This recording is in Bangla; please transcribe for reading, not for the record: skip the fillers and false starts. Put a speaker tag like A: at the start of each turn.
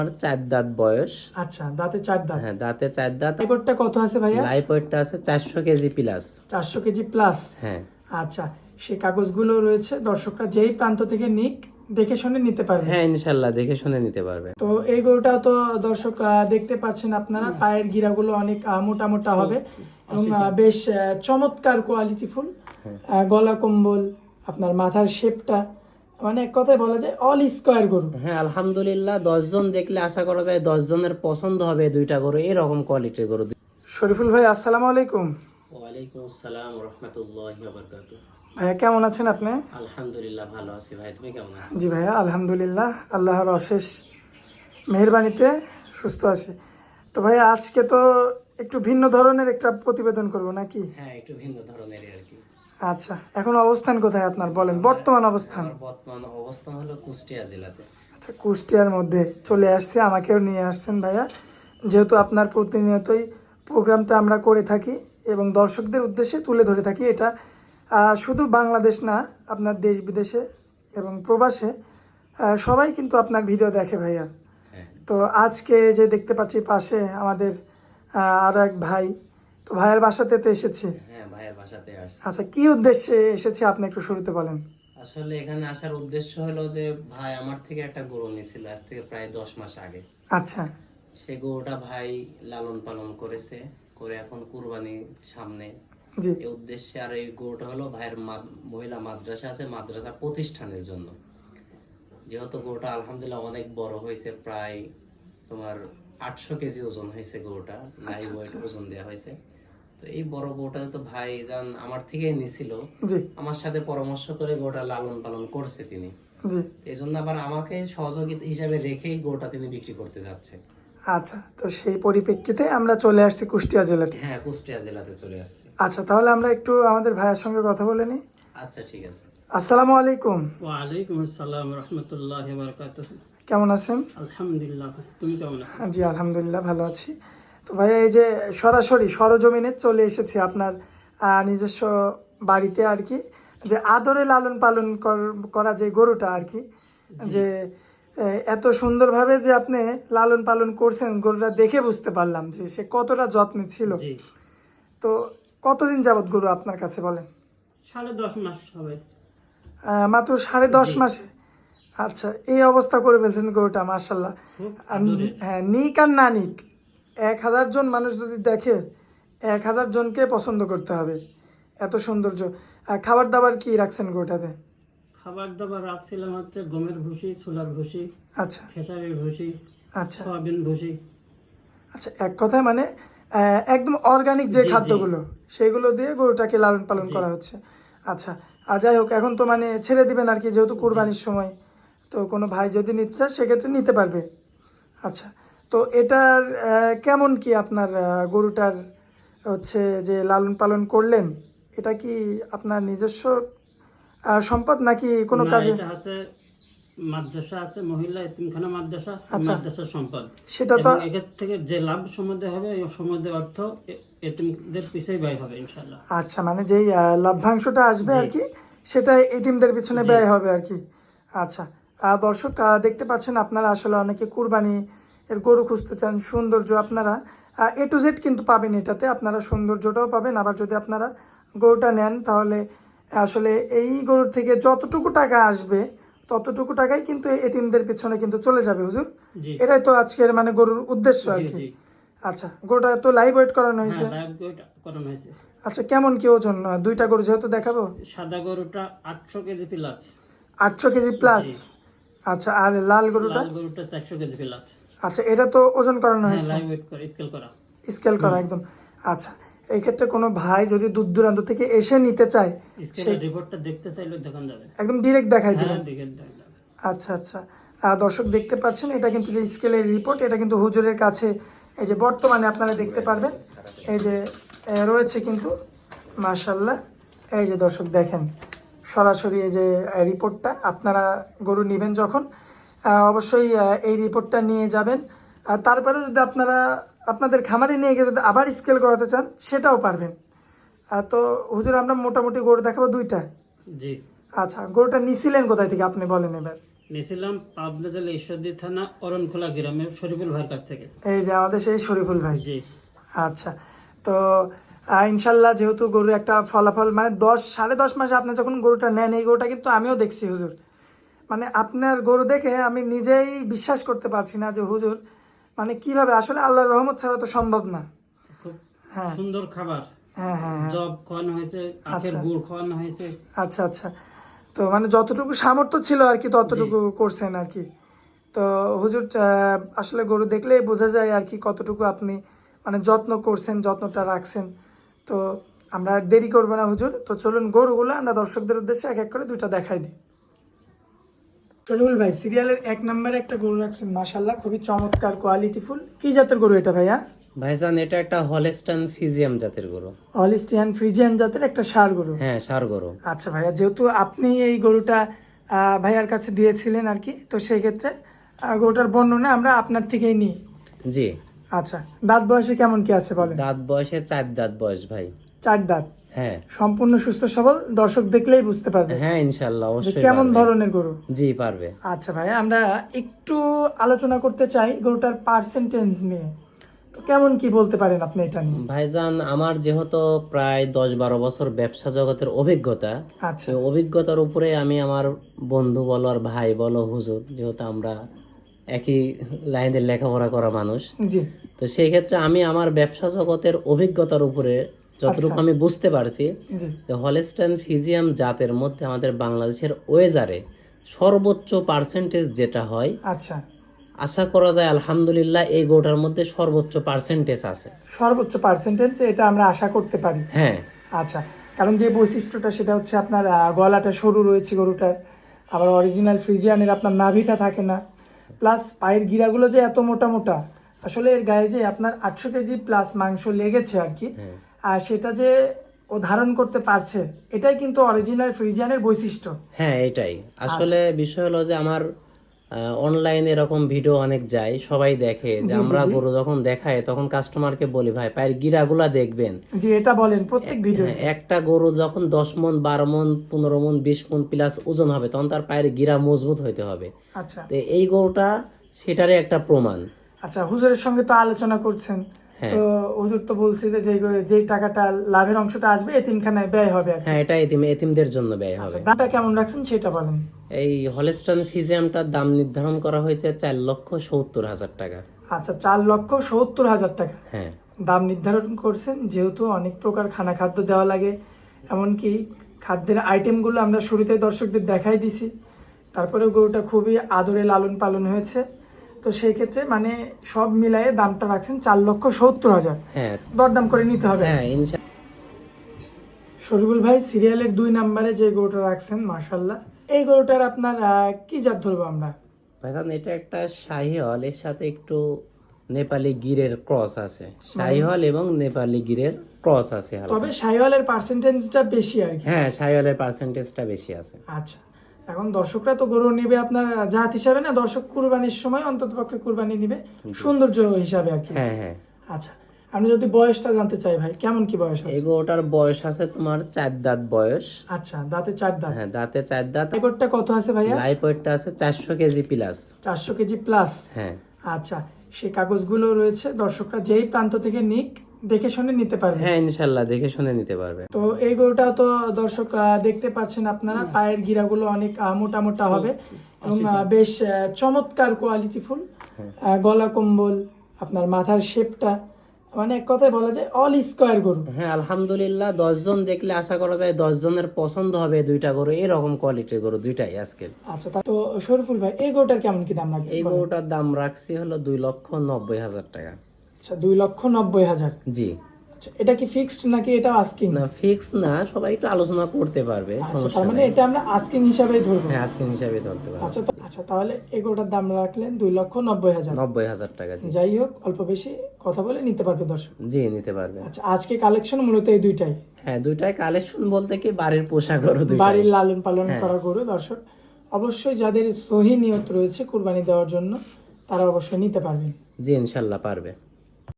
A: আমার 4 দাঁত বয়স।
B: আচ্ছা, দাঁতে 4 দাঁত।
A: হ্যাঁ, দাঁতে 4 দাঁত।
B: লাইভটা কত আছে ভাইয়া?
A: লাইভ ওয়েটটা আছে 400 কেজি প্লাস।
B: 400 KG plus.
A: হ্যাঁ
B: আচ্ছা, সেই কাগজগুলো রয়েছে, দর্শকরা যেই প্রান্ত থেকে নিক দেখে শুনে নিতে পারবে।
A: হ্যাঁ, ইনশাল্লাহ দেখে শুনে নিতে পারবে।
B: তো এই গরুটা তো দর্শক দেখতে পাচ্ছেন আপনারা, পায়ের গিরাগুলো অনেক মোটা মোটা হবে এবং বেশ চমৎকার কোয়ালিটিফুল। গলা কম্বল, আপনার মাথার শেপটা, মানে এক কথায় বলা যায় অল স্কোয়ার গরু।
A: হ্যাঁ, আলহামদুলিল্লাহ 10 জন দেখলে আশা করা যায় 10 জনের পছন্দ হবে দুইটা গরু, এরকম কোয়ালিটির গরু।
B: শরীফুল ভাই, আসসালামু আলাইকুম।
A: ওয়ালাইকুম আসসালাম ওয়া রাহমাতুল্লাহি ওয়া বারাকাতুহু।
B: ভাইয়া কেমন আছেন আপনি?
A: আলহামদুলিল্লাহ ভালো আছি ভাই, তুমি কেমন আছো?
B: জি ভাইয়া, আলহামদুলিল্লাহ, আল্লাহর অশেষ মেহেরবানিতে সুস্থ আছি। তো ভাইয়া, আজকে তো একটু ভিন্ন ধরনের একটা প্রতিবেদন করব নাকি?
A: হ্যাঁ, একটু ভিন্ন ধরনের আর কি।
B: আচ্ছা, এখন অবস্থান কোথায় আপনার বলেন, বর্তমান অবস্থান?
A: আমার বর্তমান অবস্থান হলো কুষ্টিয়া জেলাতে।
B: আচ্ছা, কুষ্টিয়ার মধ্যে চলে আসছে, আমাকেও নিয়ে আসছেন ভাইয়া, যেহেতু আপনার প্রতিনিয়তই প্রোগ্রামটা আমরা করে থাকি এবং দর্শকদের উদ্দেশ্যে তুলে ধরে থাকি। এটা শুধু বাংলাদেশ না, আপনার দেশ বিদেশে এবং প্রবাসে সবাই কিন্তু আপনার ভিডিও দেখে ভাইয়া।
A: হ্যাঁ।
B: তো আজকে যে দেখতে পাচ্ছি পাশে আমাদের আরো এক ভাই, তো ভাইয়ের বাসাতে তো এসেছি।
A: হ্যাঁ, ভাইয়ের বাসাতে আসছি।
B: আচ্ছা, কি উদ্দেশ্যে এসেছি আপনি একটু শুরুতে বলেন।
A: আসলে এখানে আসার উদ্দেশ্য হলো যে ভাই আমার থেকে একটা গরু নিয়েছিল আজ থেকে প্রায় 10 মাস আগে।
B: আচ্ছা।
A: সেই গরুটা ভাই লালন পালন করেছে, করে এখন কুরবানি সামনে,
B: জি।
A: এই উদ্দেশ্যে। আর এই গরুটা হলো ভাইয়ের মহিলা মাদ্রাসা আছে, মাদ্রাসা প্রতিষ্ঠানের জন্য। যেহেতু গরুটা আলহামদুলিল্লাহ অনেক বড় হয়েছে, প্রায় তোমার 800 কেজি ওজন হয়েছে গরুটা, লাইভ ওয়েট ওজন দেওয়া হয়েছে। তো এই বড় গরুটা তো ভাই জান আমার থেকে নিছিল, আমার সাথে পরামর্শ করে গরুটা লালন পালন করছে তিনি। এই জন্য আবার আমাকে সহযোগিতা হিসাবে রেখেই গরুটা তিনি বিক্রি করতে যাচ্ছে।
B: আচ্ছা, তো সেই পরিপ্রেক্ষিতে আমরা চলে আসছি কুষ্টিয়া জেলাতে।
A: হ্যাঁ, কুষ্টিয়া জেলাতে চলে আসছি।
B: আচ্ছা, তাহলে আমরা একটু আমাদের ভাইয়ের সঙ্গে কথা বলে নিই।
A: আচ্ছা, ঠিক আছে।
B: আসসালামু আলাইকুম।
C: ওয়ালাইকুম আসসালাম রাহমাতুল্লাহি ওয়া বারাকাতুহু।
B: কেমন আছেন?
C: আলহামদুলিল্লাহ, তুমি কেমন আছো?
B: জি আলহামদুলিল্লাহ ভালো আছি। তো ভাইয়া, এই যে সরাসরি সরজমিনে চলে এসেছি আপনার নিজস্ব বাড়িতে আর কি, যে আদরে লালন পালন করা যে গরুটা আর কি, যে এত সুন্দরভাবে যে আপনি লালন পালন করছেন, গরুটা দেখে বুঝতে পারলাম যে সে কতটা যত্নে ছিল।
C: জি,
B: তো কতদিন যাবত গরু আপনার কাছে বলেন?
C: 10.5 মাস হবে।
B: মাত্র 10.5 মাসে? আচ্ছা, এই অবস্থা করে ফেলছেন গরুটা, মার্শাল্লাহ।
C: খুব আদরের।
B: হ্যাঁ, নিক আর না নিক, 1000 জন মানুষ যদি দেখে 1000 জনকে পছন্দ করতে হবে, এত সৌন্দর্য। খাবার দাবার কি রাখছেন গরুটাতে?
C: খাবার দাবার রাখছিলাম হচ্ছে গমের ভুসি, ছোলার ভুসি,
B: আচ্ছা
C: খেসারির ভুসি,
B: আচ্ছা
C: সয়াবিন ভুসি।
B: আচ্ছা, এক কথায় মানে একদম অর্গানিক যে
C: জি, জি।
B: খাদ্যগুলো সেগুলো দিয়ে গরুটাকে লালন পালন করা হচ্ছে। আচ্ছা, আর যাই হোক, এখন তো মানে ছেড়ে দিবেন আর কি, যেহেতু কুরবানির সময়, তো কোনো ভাই যদি নিতে চায় সেক্ষেত্রে নিতে পারবে। আচ্ছা, তো এটার কেমন কি আপনার গরুটার হচ্ছে যে লালন পালন করলেন, এটা কি আপনার নিজস্ব সম্পদ নাকি কোনো
C: না,
B: কাজে?
C: এটা হচ্ছে মাদ্রাসা আছে, মহিলা এতিমখানা মাদ্রাসা,
B: আচ্ছা।
C: মাদ্রাসার সম্পদ।
B: সেটা তো
C: এবং এর থেকে যে লাভ সম্বন্ধে হবে এই সম্বন্ধে অর্থ এতিমদের পিছেই ব্যয় হবে ইনশাআল্লাহ।
B: আচ্ছা, মানে যেই লভ্যাংশটা আসবে আর কি, সেটা এতিমদের পিছনে ব্যয় হবে আর কি। আচ্ছা, দর্শক দেখতে পাচ্ছেন আপনারা, আসলে অনেকে কুরবানি এর গরু খুঁজতে চান, সৌন্দর্য আপনারা এ টু জেড কিন্তু পাবেন এটাতে, আপনারা সৌন্দর্যটাও পাবেন। আবার যদি আপনারা গরুটা নেন তাহলে আসলে এই গরুর থেকে যতটুকু টাকা আসবে ততটুকু টাকাই কিন্তু এতিমদের পিছনে কিন্তু চলে যাবে হুজুর।
C: জি,
B: এটাই তো আজকের মানে গরুর উদ্দেশ্য আর
C: জি,
B: কি।
C: জি।
B: আচ্ছা, গরুটা তো লাইভ ওয়েট করানো হয়েছে?
C: হ্যাঁ, লাইভ ওয়েট করানো হয়েছে।
B: আচ্ছা, কেমন কি ওজন? দুইটা গরু যেহেতু দেখাবো।
C: সাদা গরুটা 800 কেজি প্লাস।
B: 800 K G plus?
C: জি।
B: আচ্ছা, আর লাল গরুটা?
C: লাল গরুটা 400 কেজি প্লাস।
B: আচ্ছা, এটা তো ওজন করানো
C: হ্যাঁ,
B: হয়েছে?
C: লাইভ ওয়েট করে স্কেল করা।
B: স্কেল করা একদম। আচ্ছা, এই ক্ষেত্রে কোনো ভাই যদি দূর দূরান্ত থেকে এসে নিতে চায়,
C: স্কেলের রিপোর্টটা দেখতে চাইলে দেখান যাবে।
B: একদম ডিরেক্ট দেখাই
C: হ্যাঁ,
B: দিবেন?
C: দেখে দেখান যাবে।
B: আচ্ছা আচ্ছা, দর্শক দেখতে পাচ্ছেন, এটা কিন্তু যে স্কেলের রিপোর্ট, এটা কিন্তু হুজুরের কাছে এই যে বর্তমানে আপনারা দেখতে পারবেন, এই যে রয়েছে কিন্তু, মাশাল্লাহ। এই যে দর্শক দেখেন সরাসরি এই যে রিপোর্টটা, আপনারা গরু নেবেন যখন অবশ্যই এই রিপোর্টটা নিয়ে যাবেন। আর তারপরে যদি আপনারা আপনাদের খামারে নিয়ে গিয়ে যদি আবার স্কেল করাতে চান সেটাও পারবেন। তো হুজুর, আমরা মোটামুটি গরু দেখাবো দুইটা।
C: জি।
B: আচ্ছা, গরুটা নিছিলেন কোথায় থেকে আপনি বলেন এবার?
C: নিয়েছিলাম পাবনা জেলা ঈশ্বরদী থানা অরণখোলা গ্রামের শরীফুল ভাইয়ের কাছ থেকে।
B: এই যে আমাদের সেই শরীফুল ভাই।
C: জি।
B: আচ্ছা, তো ইনশাল্লাহ যেহেতু গরু একটা ফলাফল মানে 10 সাড়ে 10 মাস আপনি যখন গরুটা নেন, এই গরুটা কিন্তু আমিও দেখছি হুজুর, মানে আপনার গরু দেখে আমি নিজেই বিশ্বাস করতে পারছি না যে হুজুর মানে কিভাবে, আসলে আল্লাহর রহমত ছাড়া তো সম্ভব না।
C: খুব
B: হ্যাঁ
C: সুন্দর খাবার,
B: হ্যাঁ হ্যাঁ হ্যাঁ।
C: জব খাওয়ানো হয়েছে, আখের
B: আচ্ছা।
C: গুড় খাওয়ানো হয়েছে।
B: আচ্ছা আচ্ছা, তো মানে যতটুকু সামর্থ্য ছিল আর কি ততটুকু করছেন আর কি। তো হুজুর আসলে গরু দেখলেই বোঝা যায় আর কি কতটুকু আপনি মানে যত্ন করছেন, যত্নটা রাখছেন। তো আমরা আর দেরি করবো না হুজুর, তো চলুন গরুগুলো আমরা দর্শকদের উদ্দেশ্যে এক এক করে দুইটা দেখাই দিই। শরীফুল ভাই, সিরিয়ালের 1 নম্বরে একটা গরু রাখছেন মাশাআল্লাহ, খুবই চমৎকার কোয়ালিটিফুল। কি জাতের গরু এটা ভাইয়া?
A: ভাইজান এটা একটা হলস্টাইন ফ্রিজিয়ান জাতের গরু।
B: হলিস্টিয়ান ফ্রিজিয়ান জাতের একটা ষাঁড় গরু।
A: হ্যাঁ, ষাঁড় গরু।
B: আচ্ছা ভাইয়া, যেহেতু আপনি এই গরুটা ভাইয়ার কাছে দিয়েছিলেন আর কি, তো সেই ক্ষেত্রে গরুটার বর্ণনা আমরা আপনার থেকেই নিই।
A: জি।
B: আচ্ছা, দাঁত বয়সে কেমন কি আছে বলেন?
A: দাঁত বয়সে 4 দাঁত বয়স ভাই।
B: 4 দাঁত।
A: হ্যাঁ
B: সম্পূর্ণ সুস্থ সবল, দর্শক দেখলেই বুঝতে পারবে
A: হ্যাঁ, ইনশাআল্লাহ
B: যে
A: অবশ্যই
B: কেমন
A: পারবে।
B: ধরনের গরু।
A: জি পারবে।
B: আচ্ছা ভাই, আমরা একটু আলোচনা করতে চাই গরুটার পার্সেন্টেজ নিয়ে। তো কেমন কি বলতে পারেন আপনি এটা নিয়ে?
A: ভাইজান আমার যেহেতু প্রায় 10-12 বছর ব্যবসা জগতের অভিজ্ঞতা,
B: আচ্ছা
A: সেই অভিজ্ঞতার উপরে আমি আমার বন্ধু বলো আর ভাই বলো হুজুর, যেহেতু আমরা একই লাইনের লেখাপড়া করা মানুষ,
B: জি
A: তো সেই ক্ষেত্রে আমি আমার ব্যবসা জগতের অভিজ্ঞতার উপরে যতটুকু
B: আচ্ছা।
A: আমি বুঝতে পারছি
B: জি
A: যে হলস্টাইন ফ্রিজিয়ান জাতের মধ্যে আমাদের বাংলাদেশের ওয়েজারে সর্বোচ্চ পার্সেন্টেজ যেটা হয়,
B: আচ্ছা,
A: আশা করা যায় আলহামদুলিল্লাহ এই গরুটার মধ্যে সর্বোচ্চ পার্সেন্টেজ আছে।
B: সর্বোচ্চ পার্সেন্টেজ এটা আমরা আশা করতে পারি।
A: হ্যাঁ
B: আচ্ছা, কারণ যে বৈশিষ্ট্যটা সেটা হচ্ছে আপনার গলাটা সরু রয়েছে গরুটার, আবার অরিজিনাল ফ্রিজিয়ানের আপনার নাভিটা থাকে না, প্লাস পায়ের গিরাগুলো যে এত মোটা মোটা, আসলে এর গায়ে যে আপনার 800 কেজি প্লাস মাংস লেগেছে আর কি,
A: হ্যাঁ
B: আর সেটা যে ও ধারণ করতে পারছে, এটাই কিন্তু অরিজিনাল ফ্রিজিয়ানের বৈশিষ্ট্য।
A: হ্যাঁ, এটাই আসলে বিষয় হলো যে আমার অনলাইনে এরকম ভিডিও অনেক যায়, সবাই দেখে যে
B: জি, জি,
A: আমরা
B: জি।
A: গরু যখন দেখায় তখন কাস্টমারকে বলি ভাই পায়ের গিরাগুলা দেখবেন।
B: জি, এটা বলেন প্রত্যেক ভিডিওতে।
A: হ্যাঁ, একটা গরু যখন 10 মণ 12 মণ 15 মণ 20 মণ প্লাস ওজন হবে তখন তার পায়ের গিরা মজবুত হইতে হবে।
B: আচ্ছা
A: তো এই গরুটা সেটারই একটা প্রমাণ।
B: আচ্ছা, হুজুরের সঙ্গে তো আলোচনা করছেন,
A: হ্যাঁ
B: তো হুজুর তো বলছে যে যে টাকাটা লাভের অংশটা আসবে এতিমখানায় ব্যয় হবে আর কি।
A: হ্যাঁ, এটা এতিমদের জন্য ব্যয়
B: আচ্ছা,
A: হবে।
B: দামটা কেমন রাখছেন সেটা বলেন।
A: এই হলস্টাইন ফ্রিজিয়ানটার দাম নির্ধারণ করা হয়েছে 4,70,000 টাকা।
B: আচ্ছা, 4,70,000 টাকা
A: হ্যাঁ
B: দাম নির্ধারণ করছেন, যেহেতু অনেক প্রকার খানা খাদ্য দেওয়া লাগে, এমনকি খাদ্যের আইটেমগুলো আমরা শুরুতে দর্শকদের দেখাই দিছি, তারপরে গরুটা খুবই আদরে লালন পালন হয়েছে, তো সেই ক্ষেত্রে মানে সব মিলায়ে দামটা রাখছেন 4,70,000।
A: হ্যাঁ
B: দরদাম করে নিতে হবে।
A: হ্যাঁ
B: শরীফুল ভাই, সিরিয়ালের 2 নম্বরে যে গরুটা রাখছেন মাশাআল্লাহ, এই গরুটার আপনার কি জাত ধরবো আমরা?
A: ভাইজান এটা একটা শাহিওয়াল, এর সাথে একটু নেপালি গিরের ক্রস আছে। শাহিওয়াল এবং নেপালি গিরের ক্রস আছে হালকা।
B: তবে শাহিওয়ালের পার্সেন্টেজটা বেশি আর কি।
A: হ্যাঁ, শাহিওয়ালের পার্সেন্টেজটা বেশি আছে।
B: আচ্ছা, এখন দর্শকরা তো গরু নেবে আপনার জাত হিসাবে না, দর্শক কুরবানির সময় অন্ততপক্ষে কুরবানি নিবে সৌন্দর্য হিসাবে আর কি।
A: হ্যাঁ হ্যাঁ,
B: আচ্ছা, আমি যদি বয়সটা জানতে চাই ভাই, কেমন কি বয়স আছে?
A: এই গরুটার বয়স আছে তোমার 4 দাঁত বয়স।
B: আচ্ছা, দাঁতে 4 দাঁত।
A: হ্যাঁ, দাঁতে 4 দাঁত।
B: রেকর্ডটা কত আছে ভাইয়া?
A: লাইফ ওয়েটটা আছে 400 কেজি প্লাস।
B: 400 KG plus.
A: হ্যাঁ
B: আচ্ছা, সেই কাগজগুলো রয়েছে, দর্শকরা যেই প্রান্ত থেকে নিক দেখে শুনে নিতে পারবে।
A: হ্যাঁ, ইনশাল্লাহ দেখে শুনে নিতে পারবে।
B: তো এই গরুটা তো দর্শক দেখতে পাচ্ছেন আপনারা, পায়ের গিরাগুলো অনেক মোটা মোটা হবে এবং বেশ চমৎকার কোয়ালিটিফুল, গলা কম্বল, আপনার মাথার শেপটা, মানে এক কথায় বলা যায় অল স্কোয়ার গরু।
A: হ্যাঁ আলহামদুলিল্লাহ, 10 জন দেখলে আশা করা যায় 10 জনের পছন্দ হবে দুইটা গরু, এরকম কোয়ালিটির গরু দুইটাই আজকে।
B: আচ্ছা, তো শরীফুল ভাই, এই গরুটার কেমন কি দাম লাগবে?
A: এই গরুটার দাম রাখছি হলো 2,90,000 টাকা।
B: আচ্ছা, 2,90,000।
A: জি।
B: আচ্ছা, এটা কি ফিক্সড নাকি এটা আস্কিং?
A: না, ফিক্স না, সবাই একটু আলোচনা করতে পারবে,
B: আচ্ছা,
A: সমস্যা
B: তার মানে
A: নাই।
B: এটা আমরা আস্কিং হিসাবেই ধরবো।
A: হ্যাঁ, আজকে হিসাবে ধরতে পারবে।
B: আচ্ছা আচ্ছা, তাহলে এই গরুটার দাম রাখলেন 2,90,000।
A: 90,000 টাকা। জি
B: যাই হোক, অল্প বেশি কথা বলে নিতে পারবে দর্শক।
A: জি, নিতে পারবে।
B: আচ্ছা, আজকে কালেকশন মূলত এই দুইটাই।
A: হ্যাঁ, দুইটাই কালেকশন বলতে কি বাড়ির পোষা গরু দুইটাই।
B: বাড়ির লালন পালন
A: হ্যাঁ।
B: করা গরু। দর্শক অবশ্যই যাদের সহি নিয়ত রয়েছে কুরবানি দেওয়ার জন্য, তারা অবশ্যই নিতে পারবেন।
A: জি ইনশাল্লাহ পারবে।